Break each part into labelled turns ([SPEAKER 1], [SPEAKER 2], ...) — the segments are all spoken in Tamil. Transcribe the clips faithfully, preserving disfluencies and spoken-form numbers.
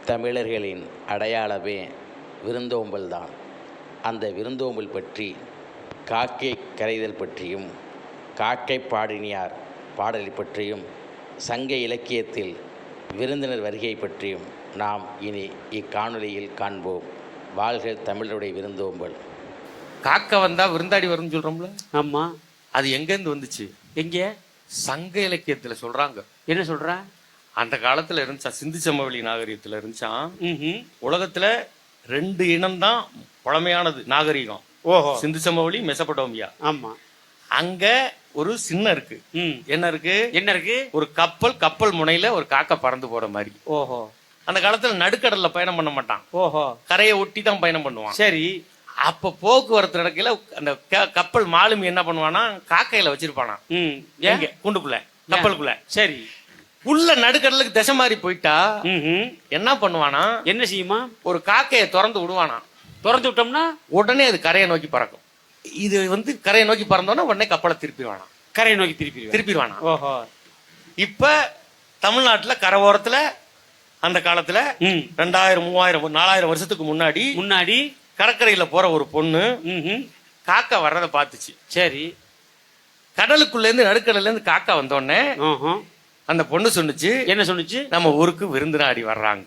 [SPEAKER 1] தமிழர்களின் அடையாளமே விருந்தோம்பல் தான். அந்த விருந்தோம்பல் பற்றி காக்கை கரைதல் பற்றியும் காக்கை பாடினியார் பாடலை பற்றியும் சங்க இலக்கியத்தில் விருந்தினர் வருகை பற்றியும் நாம் இனி இக்காணொலியில் காண்போம். வாழ்க தமிழருடைய விருந்தோம்பல்.
[SPEAKER 2] காக்கை வந்தா விருந்தாடி வரும்னு சொல்றோம்ல,
[SPEAKER 3] ஆமா.
[SPEAKER 2] அது எங்கேருந்து வந்துச்சு?
[SPEAKER 3] எங்க
[SPEAKER 2] சங்க இலக்கியத்துல சொல்றாங்க.
[SPEAKER 3] என்ன சொல்ற?
[SPEAKER 2] அந்த காலத்துல இருந்துச்சா, சிந்து சமவெளி நாகரிகத்துல இருந்துச்சான்.
[SPEAKER 3] ம்ஹும்.
[SPEAKER 2] உலகத்துல ரெண்டு இனம் தான் பழமையானது நாகரிகம்.
[SPEAKER 3] ஓஹோ.
[SPEAKER 2] சிந்து சமவெளி, மெசபடோமியா.
[SPEAKER 3] ஆமா.
[SPEAKER 2] அங்க ஒரு சின்னம் இருக்கு.
[SPEAKER 3] ம்.
[SPEAKER 2] என்ன இருக்கு?
[SPEAKER 3] என்ன இருக்கு?
[SPEAKER 2] ஒரு கப்பல், கப்பல் முனையில ஒரு காக்கை பறந்து போற மாதிரி.
[SPEAKER 3] ஓஹோ.
[SPEAKER 2] அந்த காலத்துல நடுக்கடல்ல பயணம் பண்ண மாட்டான்,
[SPEAKER 3] ஓஹோ.
[SPEAKER 2] கரையை ஒட்டி தான் பயணம் பண்ணுவான்.
[SPEAKER 3] சரி.
[SPEAKER 2] அப்ப போக்குவரத்து நடக்கையில அந்த க- கப்பல் மாலுமி என்ன பண்ணுவானா, காக்கையில வச்சிருப்பானா.
[SPEAKER 3] ம்.
[SPEAKER 2] எங்க? கூண்டுக்குள்ள, கப்பலுக்குள்ள.
[SPEAKER 3] சரி.
[SPEAKER 2] உள்ள நடுக்கடலுக்கு திசை மாறி போயிட்டா
[SPEAKER 3] ம்ஹும்.
[SPEAKER 2] என்ன பண்ணுவானா,
[SPEAKER 3] என்ன செய்யுமா?
[SPEAKER 2] ஒரு காக்கையை திறந்து விடுவானா.
[SPEAKER 3] திறந்து விட்டோம்னா
[SPEAKER 2] உடனே அது கரையை நோக்கி பறக்கும். இது வந்து கரையை நோக்கி பறந்தோன்னா உடனே கப்பலை திருப்பிடுவானா,
[SPEAKER 3] கரையை நோக்கி திருப்பி
[SPEAKER 2] திருப்பிடுவானா.
[SPEAKER 3] ஓஹோ.
[SPEAKER 2] இப்ப தமிழ்நாட்டுல கரையோரத்துல அந்த காலத்துல
[SPEAKER 3] ம்.
[SPEAKER 2] ரெண்டாயிரம் மூவாயிரம் நாலாயிரம் வருஷத்துக்கு முன்னாடி
[SPEAKER 3] முன்னாடி
[SPEAKER 2] கடற்கரையில போற ஒரு பொண்ணு
[SPEAKER 3] ம்ஹும்.
[SPEAKER 2] காக்கா வர்றதை பார்த்துச்சு.
[SPEAKER 3] சரி.
[SPEAKER 2] கடலுக்குள்ள இருந்து நடுக்கடல்ல இருந்து காக்கா வந்தோடனே
[SPEAKER 3] ஓஹோ.
[SPEAKER 2] அந்த பொண்ணு சொன்னுச்சு,
[SPEAKER 3] என்ன சொன்னுச்சு?
[SPEAKER 2] நம்ம ஊருக்கு விருந்தினாடி வர்றாங்க.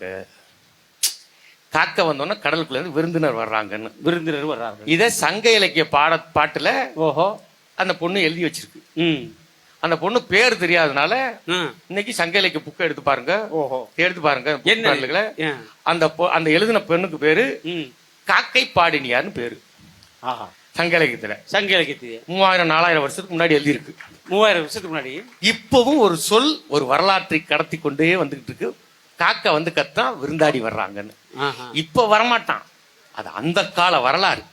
[SPEAKER 2] காக்கா வந்தோடனே கடலுக்குள்ள இருந்து விருந்தினர் வர்றாங்கன்னு.
[SPEAKER 3] விருந்தினர் வர்றாங்க.
[SPEAKER 2] இத சங்க இலக்கிய பாட பாட்டுல
[SPEAKER 3] ஓஹோ.
[SPEAKER 2] அந்த பொண்ணு எழுதி வச்சிருக்கு.
[SPEAKER 3] ம்.
[SPEAKER 2] அந்த பொண்ணு பேர் தெரியாதனால
[SPEAKER 3] ம்.
[SPEAKER 2] இன்னைக்கு சங்க இலக்கிய புக்கை எடுத்து பாருங்க,
[SPEAKER 3] ஓஹோ.
[SPEAKER 2] எடுத்து பாருங்க.
[SPEAKER 3] என்ன?
[SPEAKER 2] புத்தகங்களை.
[SPEAKER 3] ஏன்?
[SPEAKER 2] அந்த பொ- அந்த எழுதின பெண்ணுக்கு பேரு
[SPEAKER 3] ம்.
[SPEAKER 2] காக்கை பாடினியார்னு பேரு.
[SPEAKER 3] ஆஹா.
[SPEAKER 2] சங்க இலக்கியத்துல
[SPEAKER 3] சங்க இலக்கியத்து
[SPEAKER 2] மூவாயிரம் நாலாயிரம் வருஷத்துக்கு முன்னாடி எழுதி இருக்கு.
[SPEAKER 3] மூவாயிரம் வருஷத்துக்கு முன்னாடி.
[SPEAKER 2] இப்பவும் ஒரு சொல் ஒரு வரலாற்றை கடத்தி கொண்டே வந்துகிட்டு இருக்கு. காக்கா வந்து கத்தா விருந்தாடி வர்றாங்கன்னு.
[SPEAKER 3] ஆஹா.
[SPEAKER 2] இப்ப வரமாட்டான், அது அந்த கால வரலாறு.